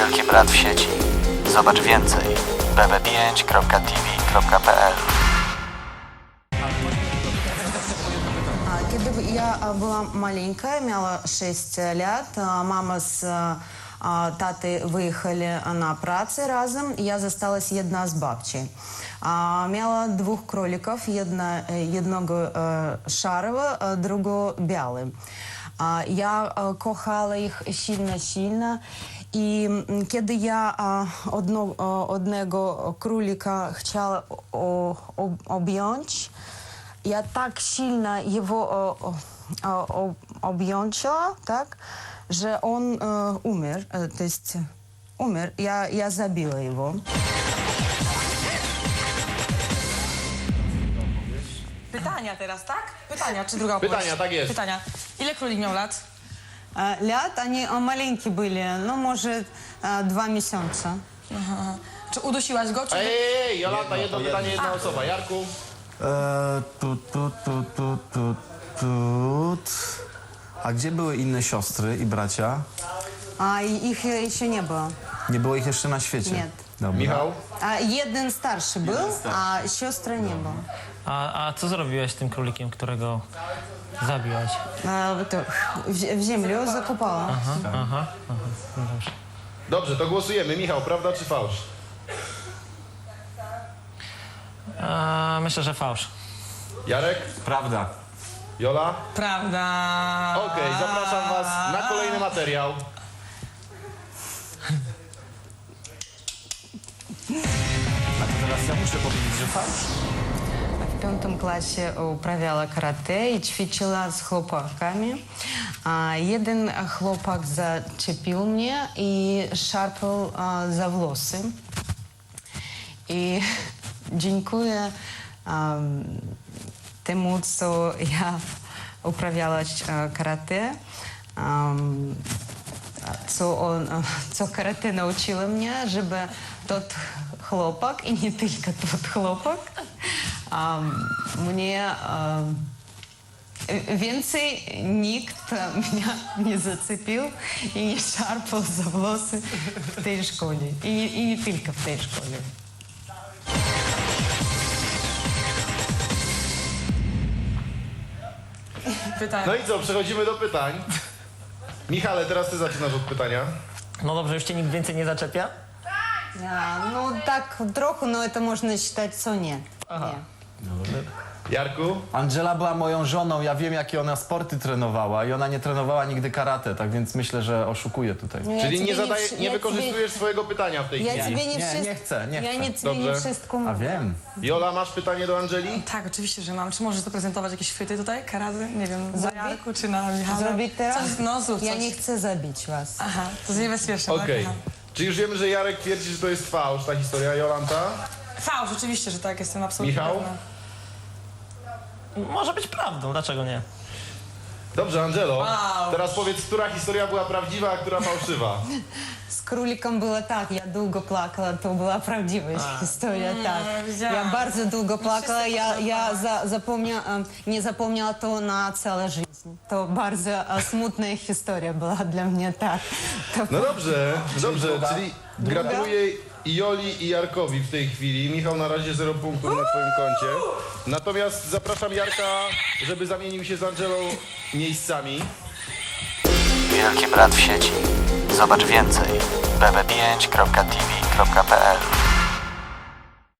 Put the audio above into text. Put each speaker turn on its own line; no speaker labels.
Wielki Brat w sieci. Zobacz więcej bb5.tv.pl.
Когда я была маленькая, имела 6 лет, мама с татой выехали на працę разом, я засталась одна з бабчей. Miała 2 królików, jednego szarego, drugiego białego. Ja kochała ich silno i kiedy ja jednego królika chciała objąć, ja tak silno jego objąła, tak, że on umarł, to jest umarł, ja zabiła jego.
Pytania teraz, tak? Pytania, czy druga
Pytania,
opowieść?
tak jest.
Pytania. Ile królik miał lat?
Lat, oni маленькі byli, no może 2 miesiące.
Aha. Czy udusiłaś go, czy...
Ej, Jolanta, jedno pytanie, jedna osoba. Jarku?
A gdzie były inne siostry i bracia?
A ich jeszcze nie było.
Nie było ich jeszcze na świecie?
Nie.
Dobra.
Michał?
Jeden starszy był, a siostry nie było.
A co zrobiłeś z tym królikiem, którego zabiłaś?
To w ziemię zakopała.
Aha. No dobrze.
Dobrze, to głosujemy. Michał, prawda czy fałsz?
Myślę, że fałsz.
Jarek?
Prawda.
Jola?
Prawda.
Okej, zapraszam was na kolejny materiał.
A to teraz ja muszę powiedzieć, że fałsz?
W 5 klasie uprawiała karate i ćwiczyła z chłopakami. Jeden chłopak zaczepił mnie i szarpał za włosy. I dziękuję temu, co ja uprawiała karate, co karate nauczyło mnie, żeby tot chłopak i nie tylko tot chłopak mnie więcej nikt mnie nie zaczepił i nie szarpał za włosy w tej szkole. I nie tylko w tej szkole.
Pytania.
No i co, przechodzimy do pytań. Michale, teraz ty zaczynasz od pytania.
No dobrze, już cię nikt więcej nie zaczepia?
No tak trochę, no to można считать, co nie.
Jarku?
Angela była moją żoną, ja wiem, jakie ona sporty trenowała i ona nie trenowała nigdy karate, tak więc myślę, że oszukuje tutaj.
Czyli nie wykorzystujesz swojego pytania w tej
Ja
chwili.
тебе не
Nie,
wszystko.
nie chcę, nie
Ja
chcę.
nie тебе не
Dobrze.
wszystko
A
mówię.
wiem.
Jola, masz pytanie do Angeli?
Tak, oczywiście, że mam. Czy możesz zaprezentować jakieś chwyty tutaj? Karady? Nie wiem, na Jarku czy na Michale?
Zrobić teraz?
Coś, no zrób
Ja
coś.
nie chcę zabić was.
Aha, to jest niebezpieczne,
Okej.
tak?
Czy już wiemy, że Jarek twierdzi, że to jest fałsz, ta historia, Jolanta?
Aha. Fałsz, oczywiście, że tak, jestem absolutnie
Michał?
pewna.
Może być prawdą, dlaczego nie?
Dobrze, Angelo.
Wow.
Teraz powiedz, która historia była prawdziwa, a która fałszywa.
Z królikiem było tak, ja długo płakała, to była prawdziwa historia, tak.
widziałam.
Ja bardzo długo płakała, nie zapomniała to na całą życie. To bardzo smutna historia była dla mnie, tak. To
No dobrze, czyli gratuluję i Joli i Jarkowi w tej chwili. Michał na razie 0 punktów na twoim koncie. Natomiast zapraszam Jarka, żeby zamienił się z Angelą miejscami.
Wielki Brat w sieci. Zobacz więcej bb5.tv.pl.